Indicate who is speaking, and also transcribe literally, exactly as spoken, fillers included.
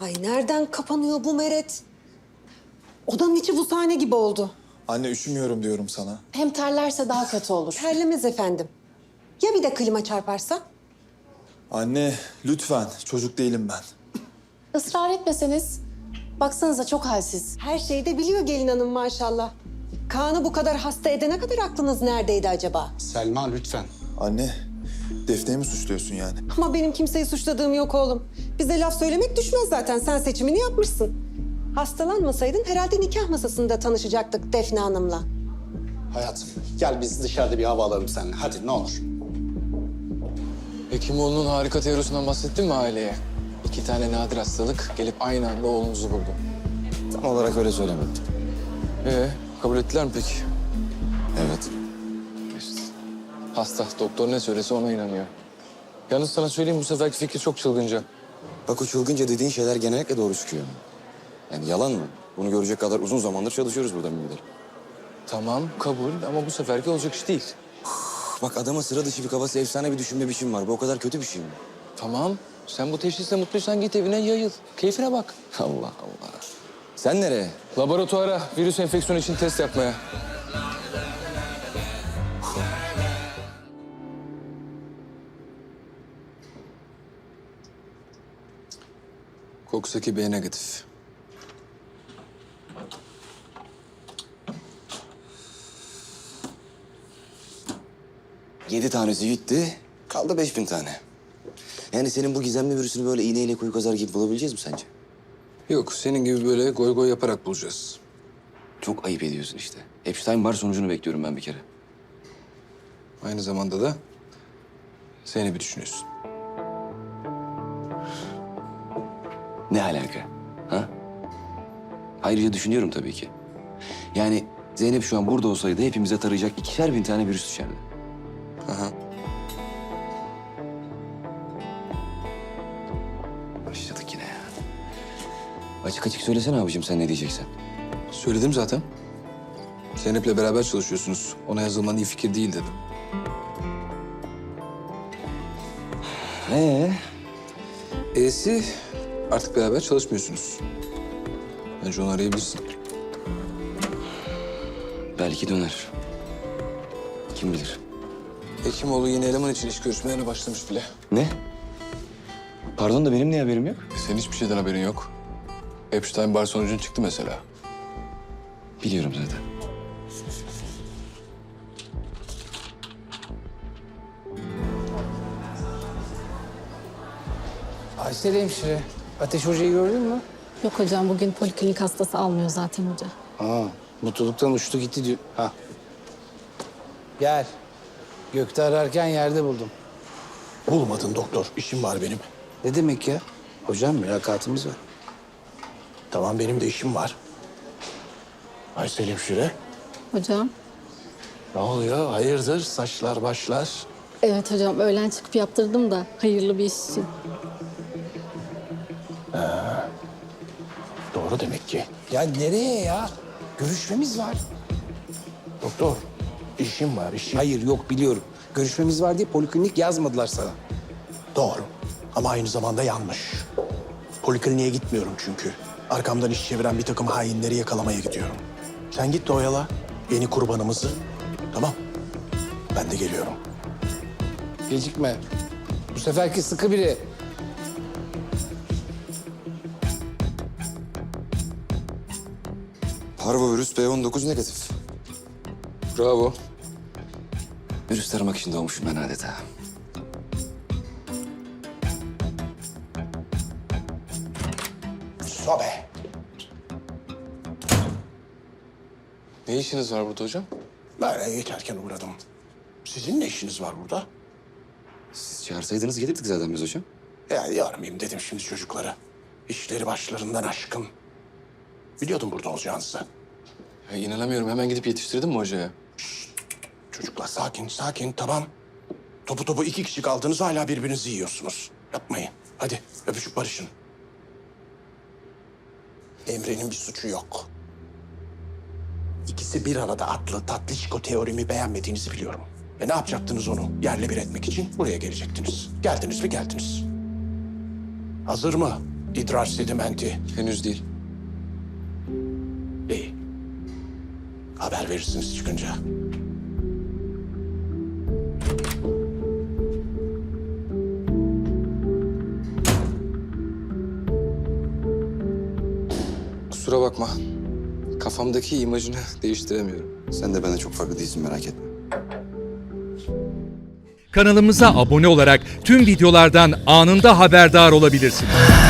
Speaker 1: Ay nereden kapanıyor bu meret? Odanın içi bu sahne gibi oldu.
Speaker 2: Anne üşümüyorum diyorum sana.
Speaker 3: Hem terlerse daha kötü olur.
Speaker 1: Terlemez efendim. Ya bir de klima çarparsa?
Speaker 2: Anne lütfen, çocuk değilim ben.
Speaker 3: Israr etmeseniz. Baksanıza çok halsiz.
Speaker 1: Her şeyi de biliyor gelin hanım maşallah. Kaan'ı bu kadar hasta edene kadar aklınız neredeydi acaba?
Speaker 4: Selma lütfen.
Speaker 2: Anne, Defne'yi mi suçluyorsun yani?
Speaker 1: Ama benim kimseyi suçladığım yok oğlum. Bize laf söylemek düşmez zaten. Sen seçimini yapmışsın. Hastalanmasaydın herhalde nikah masasında tanışacaktık Defne Hanım'la.
Speaker 4: Hayatım gel biz dışarıda bir hava alalım seninle. Hadi ne olur.
Speaker 5: Hekimoğlu'nun harika teorisinden bahsettin mi aileye? İki tane nadir hastalık gelip aynı anda oğlunuzu buldu.
Speaker 6: Tam olarak öyle söylemedim.
Speaker 5: Ee, kabul ettiler mi peki?
Speaker 6: Evet.
Speaker 5: İşte. Hasta, doktor ne söylese ona inanıyor. Yalnız sana söyleyeyim bu seferki fikir çok çılgınca.
Speaker 6: Bak o çılgınca dediğin şeyler genellikle doğru çıkıyor. Yani yalan mı? Bunu görecek kadar uzun zamandır çalışıyoruz burada müdür.
Speaker 5: Tamam, kabul ama bu seferki olacak iş değil.
Speaker 6: Bak adama sıra dışı bir kafası, efsane bir düşünme biçim var. Bu o kadar kötü bir şey mi?
Speaker 5: Tamam, sen bu teşhisle mutluysan git evine yayıl. Keyfine bak.
Speaker 6: Allah Allah. Sen nereye?
Speaker 5: Laboratuvara virüs enfeksiyonu için test yapmaya. Kokusaki B negatif.
Speaker 6: Yedi tanesi gitti. Kaldı beş bin tane. Yani senin bu gizemli virüsünü böyle iğneyle kuyu kazar gibi bulabileceğiz mi sence?
Speaker 5: Yok, senin gibi böyle goy goy yaparak bulacağız.
Speaker 6: Çok ayıp ediyorsun işte. Epstein-Barr sonucunu bekliyorum ben bir kere.
Speaker 5: Aynı zamanda da Zeynep'i düşünüyorsun.
Speaker 6: Ne alaka? Ha? Ayrıca düşünüyorum tabii ki. Yani Zeynep şu an burada olsaydı hepimize tarayacak ikişer bin tane virüs düşerdi.
Speaker 5: Aha.
Speaker 6: Başladık yine ya. Açık açık söylesene abicim sen ne diyeceksen.
Speaker 5: Söyledim zaten. Zeynep'le beraber çalışıyorsunuz. Ona yazılman iyi fikir değil dedim.
Speaker 6: Ee?
Speaker 5: E'si artık beraber çalışmıyorsunuz. Bence onu arayabilirsin.
Speaker 6: Belki döner. Kim bilir?
Speaker 5: Hekimoğlu yeni eleman için iş görüşmelerine başlamış bile.
Speaker 6: Ne? Pardon da benim niye haberim yok?
Speaker 5: E senin hiçbir şeyden haberin yok. Epstein-Barr sonucun çıktı mesela.
Speaker 6: Biliyorum zaten.
Speaker 7: Aysel hemşire, Ateş Hoca'yı gördün mü?
Speaker 8: Yok hocam bugün poliklinik hastası almıyor zaten hoca.
Speaker 7: Aa, mutluluktan uçtu gitti diyor. Ha. Gel. Gökte ararken yerde buldum.
Speaker 9: Bulmadın doktor. İşim var benim.
Speaker 7: Ne demek ya? Hocam mülakatımız var.
Speaker 9: Tamam benim de işim var. Aysel hemşire.
Speaker 8: Hocam.
Speaker 9: Ne oluyor? Hayırdır? Saçlar başlar.
Speaker 8: Evet hocam öğlen çıkıp yaptırdım da hayırlı bir iş için.
Speaker 9: Doğru demek ki.
Speaker 7: Ya nereye ya? Görüşmemiz var.
Speaker 9: Doktor, işim var işim.
Speaker 7: Hayır yok biliyorum. Görüşmemiz var diye poliklinik yazmadılar sana.
Speaker 9: Doğru. Ama aynı zamanda yanlış. Polikliniğe gitmiyorum çünkü. Arkamdan iş çeviren bir takım hainleri yakalamaya gidiyorum. Sen git de oyala yeni kurbanımızı. Tamam. Ben de geliyorum.
Speaker 7: Gecikme. Bu seferki sıkı biri.
Speaker 6: Parvovirüs B on dokuz negatif.
Speaker 5: Bravo.
Speaker 6: Virüs taramak için doğmuşum ben adeta.
Speaker 9: Sobe.
Speaker 5: Ne işiniz var burada hocam?
Speaker 9: Böyle geçerken uğradım. Sizin ne işiniz var burada?
Speaker 6: Siz çağırsaydınız gelirdik zaten biz hocam.
Speaker 9: Ya yormayayım dedim şimdi çocukları. İşleri başlarından aşkın. Biliyordum burada olacağınızı.
Speaker 5: Ya inanamıyorum. Hemen gidip yetiştirdin mi hocaya?
Speaker 9: Çocuklar sakin, sakin, tamam. Topu topu iki kişi kaldınız hala birbirinizi yiyorsunuz. Yapmayın. Hadi öpüşüp barışın. Emre'nin bir suçu yok. İkisi bir arada atlı tatlışko teorimi beğenmediğinizi biliyorum. Ve ne yapacaktınız onu yerle bir etmek için? Buraya gelecektiniz. Geldiniz mi geldiniz. Hazır mı? İdrar sedimenti.
Speaker 5: Henüz değil.
Speaker 9: İyi. Haber verirsiniz çıkınca.
Speaker 5: Kusura bakma. Kafamdaki imajını değiştiremiyorum.
Speaker 6: Sen de bana çok farklı değilsin, merak etme.
Speaker 10: Kanalımıza abone olarak tüm videolardan anında haberdar olabilirsiniz.